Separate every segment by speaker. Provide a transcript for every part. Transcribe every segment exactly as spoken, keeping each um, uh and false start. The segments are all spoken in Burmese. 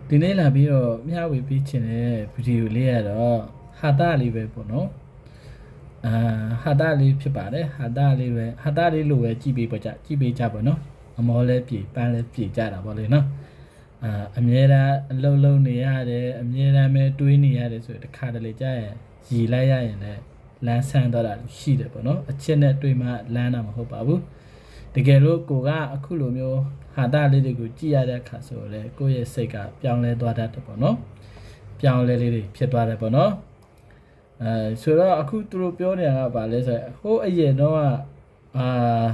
Speaker 1: ဒီနေ့လာပြီးတော့မျှဝေပေးချင်တဲ့ဗီဒီယိုလေးကတော့ဟာတာလေးပဲပေါ့နော်အာဟာတာလေးဖြစ်ပါတယ်ဟာတာလေးပဲဟာတာလေးလိုပဲကြည့်ပေးပါကြကြည့်ပေးကြပါနော်အမောလဲပြေပန်းလဲပြေကြတာပေါ့လေနော်အာအမြဲတမ်းအလုံးလုံးနေရတယ်အမြဲတမ်းပဲတွေးနေရတယ်ဆိုတခါတလေကြာရင်ရည်လိုက်ရရင်လည်းလမ်းဆန်းတော့တာရှိတယ်ပေါ့နော်အချက်နဲ့တွေးမှလမ်းတာမဟုတ်ပါဘူးတကယ်လို့ကိုကအခုလိုမျိုးဟာတာလေးတွေကိုကြည့်ရတဲ့အခါဆိုတော့ကိုယ့်ရဲ့စိတ်ကပြောင်းလဲသွားတတ်တယ်ပေါ့နော်ပြောင်းလဲလေးတွေဖြစ်သွားတယ်ပေါ့နော်အဲဆိုတော့အခုသူတို့ပြောနေတာကဘာလဲဆိုတော့ဟိုးအရင်တော့အာ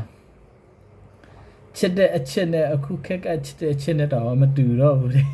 Speaker 1: ချစ်တဲ့အချစ်နဲ့အခုခက်ကချစ်တဲ့အချစ်နဲ့တော့မတူတော့ဘူးလေ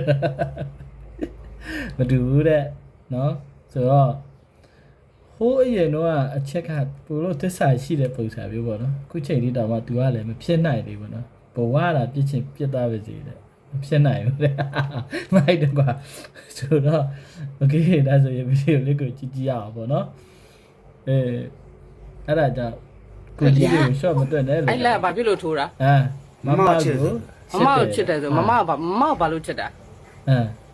Speaker 1: မတူဘူးတဲ့နော်ဆိုတော့ဟိုးအရင်တော့အချက်ကပိုလို့သစ္စာရှိတဲ့ပုံစံမျိုးပေါ့နော်အခုချိန်လေးတော့မှ तू ကလည်းမဖြစ်နိုင်သေးဘူးနော်ဘဝတာပြစ်ချင်ပြစ်သားပဲစီတဲ့မဖြစ်နိုင်ဘူးတဲ့မိုက်တယ်ကွာဆိုတော့โอเคဒါဆိုရင်ဗီဒီယိုလေးကိုကြည့်ကြည့်ရအောင်ပေါ့နော်အဲအဲ့ဒါကြောင့်ကိုကြည့်လို့ short မတွက်နဲ့လို့
Speaker 2: အဲ့လက်ဘာဖြစ်လို့ထိုးတာ
Speaker 1: အာမမကို
Speaker 2: မမကိုချစ်တယ်ဆိုမမကဘာမမကဘာလို့ချစ်တာ
Speaker 1: အဲ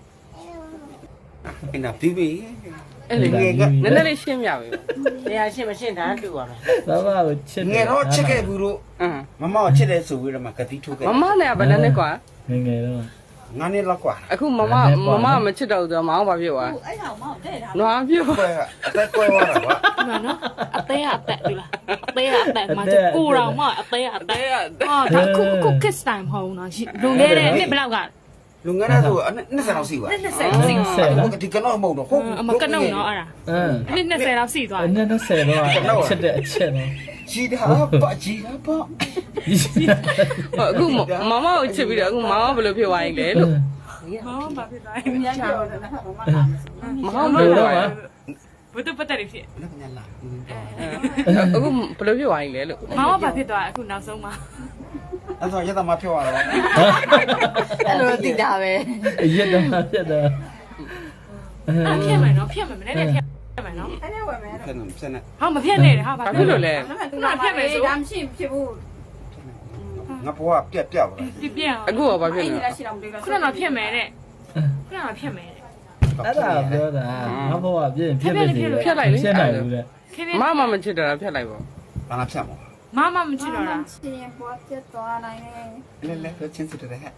Speaker 3: အဲ့ဒါပြီးပြီ
Speaker 2: အဲ့လေငယ်ကနည်းနည်းလေးရှင်းပြပြီတရားရှင်းမရှင်းတာတူပါမယ်
Speaker 1: မမကိုချစ်တယ်
Speaker 3: ငယ်တော့ချစ်ခဲ့ဘူးလို့
Speaker 2: အင်း
Speaker 3: မမကိုချစ်တယ်ဆိုပြီးတော့မှကတိထုတ်ခဲ့
Speaker 2: မမနဲ့ကဘယ်နဲ့နဲ့ကွာ
Speaker 1: ငယ်ငယ်တော့
Speaker 3: ငါနဲ့လောက်ကွာ
Speaker 2: အခုမမမမမချစ်တော့ဆိုမအောင်ဘာဖြစ်သွား
Speaker 4: အဲ့ကောင်မောင်တဲ့တာ
Speaker 2: နွားဖြစ်သွား
Speaker 3: အသက်ကွဲသွားတာကွာ
Speaker 4: ဒီမှာနော်အသေးအသက်ဒီလားအသေးအသက်မှာကိုတော်မအသေးအသက်ဟာဒါခုခု kiss time မဟုတ်နော်လွန်ခဲ့တဲ့နှစ်ဘယ်လောက်က
Speaker 3: လူငယ်တဲ့ဆိုနှစ်ဆယ်လောက်ရှိပါ
Speaker 4: နှစ်ဆယ်လောက်စီသွား
Speaker 3: ဒီကနော်မဟုတ်တော့ဟုတ်
Speaker 4: အမကနုံနော်အဲ့ဒါ
Speaker 1: အင်း
Speaker 4: နှစ်နှစ်ဆယ်လောက်စီသွား
Speaker 1: အဲ့နှစ်ဆယ်တော့ချစ်တဲ့အချက်နော်
Speaker 3: ကြီးတာပါကြီးတာပါ
Speaker 2: အခုမမကိုချစ်ပြီးတော့အခုမမဘယ်လိုဖြစ်သွားရင်လဲလို့
Speaker 4: မောင်ဘာဖြစ်သွားလဲမြန်ချောင်း
Speaker 2: မမဘယ်လိုလဲ
Speaker 4: ဘုဒ္ဓပတ်တယ်ဖြစ်
Speaker 3: လက်ညလာ
Speaker 2: အခုဘယ်လိုဖြစ်သွားရင်လဲလို့
Speaker 4: မောင်ဘာဖြစ်သွားအခုနောက်ဆုံးမှာ
Speaker 3: အဲ့ဆိုရတဲ့မှာပြောရတော့
Speaker 4: အဲ့လိုတိတာပဲ
Speaker 1: ရက်တော့ဖြစ်တော့
Speaker 4: အဲ့ဖြစ်မယ်နော်ဖြစ်မယ်မနေ့ကဖြစ်မယ်နော်အဲ့ဒါဝယ်မယ်
Speaker 3: ဆက်နေဆက်နေ
Speaker 4: ဟာမဖြစ်နဲ့ဟာ
Speaker 2: ဘာဖြစ်လို့လဲ
Speaker 4: သူကဖြစ်မယ်ဆိုဒါမရှိဖြစ်ဘူး
Speaker 3: ငါဘွားပြက်ပြက်ပါ
Speaker 4: ပြပြအောင်
Speaker 2: အခုကဘာဖြစ်လဲ
Speaker 4: ခုနကဖြစ်မယ်တဲ့ခုနကဖြစ်မယ်တဲ့
Speaker 1: အဲ့ဒါပြောတာငါဘဝပြည့်ဖြစ်ဖြစ်နေ
Speaker 2: ဖြတ်လိုက်လေ
Speaker 1: ဖြစ်နိုင်ဘူးတဲ့
Speaker 2: မမမချစ်တော့ဖြတ်လိုက်ပေါ့
Speaker 3: ဘာမှဖြတ်မှာ
Speaker 4: မမမချစ်တော့လား
Speaker 5: ချင်ပွားပြတ်သွားနိုင်
Speaker 3: တယ်လဲလဲချင်းစစ်တယ်ဟဲ့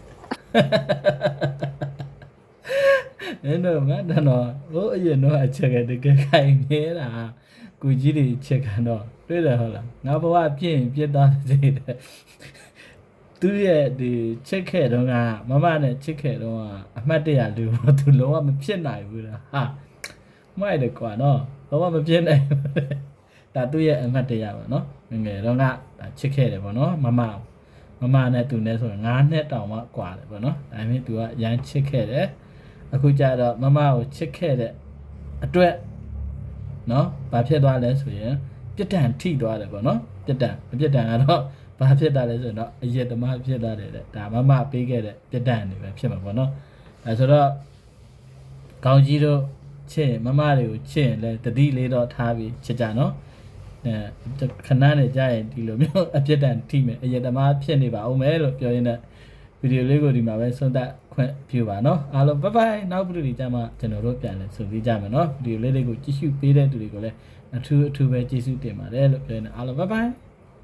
Speaker 1: အဲ့တော့ငါတော့ဟိုအရင်တော့အချက်ကတကယ်ခိုင်နေတာကိုကြီးတွေချက်ကတော့တွေ့တယ်ဟုတ်လားငါဘဝပြည့်ရင်ပြတ်သားစေတယ်သူရဲ့ဒီချက်ခဲ့တော့ကမမနဲ့ချက်ခဲ့တော့အမှတ်တရလူသူလုံးဝမဖြစ်နိုင်ဘူးလားဟာမိုက်တယ်ကွာနော်လုံးဝမဖြစ်နိုင်ဘူးဒါသူရဲ့အမှတ်တရပါနော်ငငယ်တော့ကချစ်ခဲ့တယ်ပေါ့နော်မမမမနဲ့သူနဲ့ဆိုရင်၅နှစ်တောင်မှကွာတယ်ပေါ့နော်ဒါပေမဲ့သူကရမ်းချစ်ခဲ့တယ်အခုကျတော့မမကိုချစ်ခဲ့တဲ့အတွက်နော်ဘာဖြစ်သွားလဲဆိုရင်ပြစ်ဒဏ်ထိသွားတယ်ပေါ့နော်ပြစ်ဒဏ်အပြစ်ဒဏ်ကတော့ဘာဖြစ်တာလဲဆိုတော့အရက်သမားဖြစ်သွားတယ်တဲ့ဒါမမပေးခဲ့တဲ့ပြစ်ဒဏ်တွေပဲဖြစ်မှာပေါ့နော်အဲဆိုတော့ကောင်းကြီးတို့ချစ်မမတွေကိုချစ်ရင်လည်းတတိလေးတော့ထားပြီးချစ်ကြနော်အဲခဏနဲ့ကြာရင်ဒီလိုမျိုးအပြစ်ဒဏ်ထိမယ်အရက်သမားဖြစ်နေပါဦးမယ်လို့ပြောရင်းနဲ့ဗီဒီယိုလေးကိုဒီမှာပဲဆုံးသက်ခွင့်ပြုပါနော်အားလုံးဘိုင်ဘိုင်နောက်ဗီဒီယိုတွေကြမှာကျွန်တော်တို့ပြန်လဲဆိုပြီးကြမယ်နော်ဗီဒီယိုလေးတွေကိုကြည့်ရှုပေးတဲ့သူတွေကိုလည်းအထူးအထူးပဲကျေးဇူးတင်ပါတယ်လို့ပြောရင်းနဲ့အားလုံးဘိုင်ဘိုင်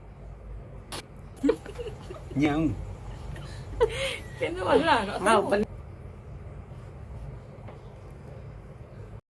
Speaker 3: ညံ
Speaker 4: ပြန်တော့လာတော့